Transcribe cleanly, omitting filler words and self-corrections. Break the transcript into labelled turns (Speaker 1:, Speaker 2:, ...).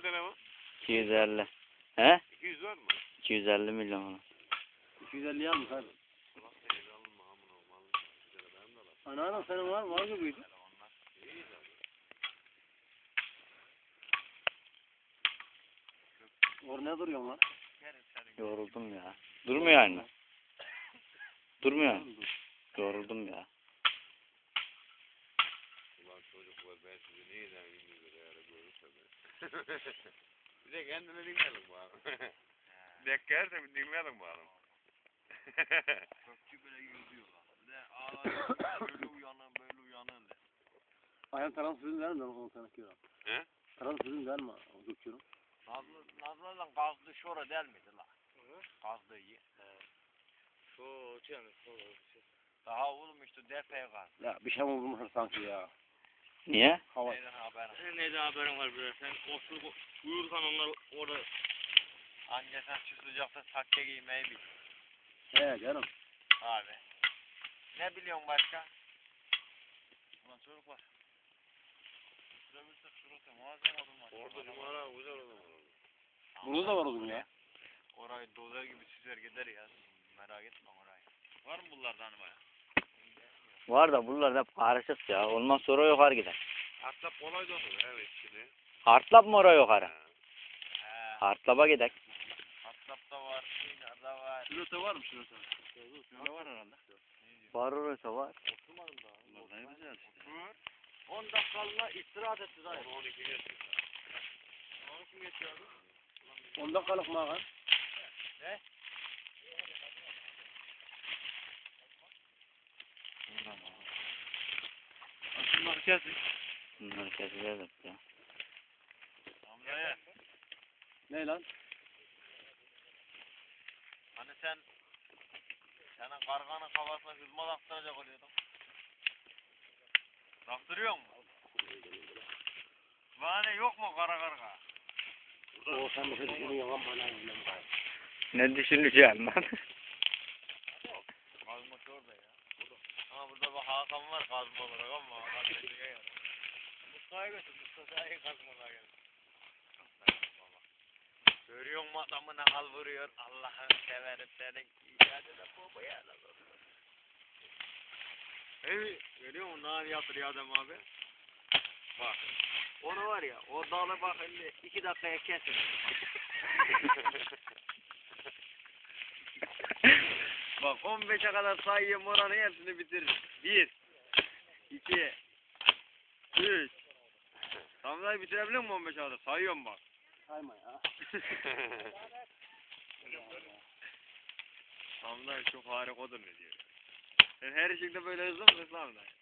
Speaker 1: kadar ama?
Speaker 2: 250. He?
Speaker 1: 200 var mı?
Speaker 2: 250 milyon falan.
Speaker 3: 250 almış abi. Ana senin var gibiydi. Orada ne duruyorsun lan?
Speaker 2: Yoruldum ya. Durmuyor yani. Durmuyor. Yoruldum ya.
Speaker 1: Ulan çocuklar ben sizi neyden bilmiyorum ya görürse ben. Bir de kendine dinleyelim bakalım. Dekkerse bir dinleyelim bakalım. Kökçü böyle yüzüyor lan. Bir de ağlar böyle uyanın de.
Speaker 3: Ayağın taran sözün der mi? Onu sana kiyorum.
Speaker 1: He?
Speaker 3: Taran sözün der mi? O döküyorum.
Speaker 4: Nazlı'dan kazdı şora del miydi la? Kazdığı yer.
Speaker 1: Şu canım
Speaker 4: Daha oğlum işte depeye kaz.
Speaker 3: Ya bir şey mi bulmuş sanki ya?
Speaker 2: Niye?
Speaker 3: Hava.
Speaker 4: Neyden haberin?
Speaker 1: Neyden haberin var bre? Sen uyursan onlar orada
Speaker 4: Anca sen şu sıcakta sakke giymeyi bil.
Speaker 3: He canım.
Speaker 4: Abi. Ne biliyorsun başka?
Speaker 1: Ulan çocuklar.
Speaker 4: Süremirsek şurası muazzam odun var.
Speaker 1: Orada cumara güzel olur.
Speaker 3: Bunu da var oğlum ya.
Speaker 4: Orayı dozer gibi süzer gider ya. Merak etme orayı.
Speaker 1: Var mı bunlardan baya?
Speaker 2: Var da buralar hep karışık ya. Olmaz sonra yukarı gider.
Speaker 1: Hatta kolay da olur evet şimdi.
Speaker 2: Hartlap mı oraya yukarı?
Speaker 4: He.
Speaker 2: Hartlap'a gidelim.
Speaker 4: Hatlapta var. Sinar'da var.
Speaker 3: Şurası var mı şurası?
Speaker 1: Şöyle var herhalde.
Speaker 2: Var orası var.
Speaker 4: Oturmadım daha.
Speaker 1: Bunlar ne güzel işte.
Speaker 4: 10 dakikalığına istirahat etti dayı.
Speaker 1: 12 geçiyor.
Speaker 4: 12 geçiyor abi.
Speaker 3: 10 dakikalık mı ağam?
Speaker 4: Ne?
Speaker 1: Şunları kesin.
Speaker 2: Bunları keseceğiz hep ya.
Speaker 4: Hamza'ya.
Speaker 3: Ne lan?
Speaker 4: Hani senin karganın kafasına hızma taktıracak oluyordun. Taktırıyor mu? Vane yok mu kara karga?
Speaker 3: O sen bir şey düşünüyorsun lan bana öyle mi?
Speaker 2: Ne düşüneceğim ben?
Speaker 4: Kazmak orada ya. Ama burada bak Hakan var kazma olarak ama Hakan dediğine yarar. Mustafa'ya götür, Mustafa'ya kazmalar gelir. Görüyor musun adamı ne hal vuruyor? Allah'ını severim senin icadına baba ya.
Speaker 1: Hey, görüyor musun? Ne yaptırıyor adam abi?
Speaker 4: Bak. Onu var ya, o dalı bak şimdi 2 dakikaya kesin. Bak 15'e kadar sayıyorum oranın hepsini bitirir. 1 2 3 Tamam bitirebilir miyim 15'e kadar? Sayıyorum bak.
Speaker 3: Sayma ya.
Speaker 4: Tamam çok harikadır ne diyor. Sen her şeyde böyle hızlı mısın lan?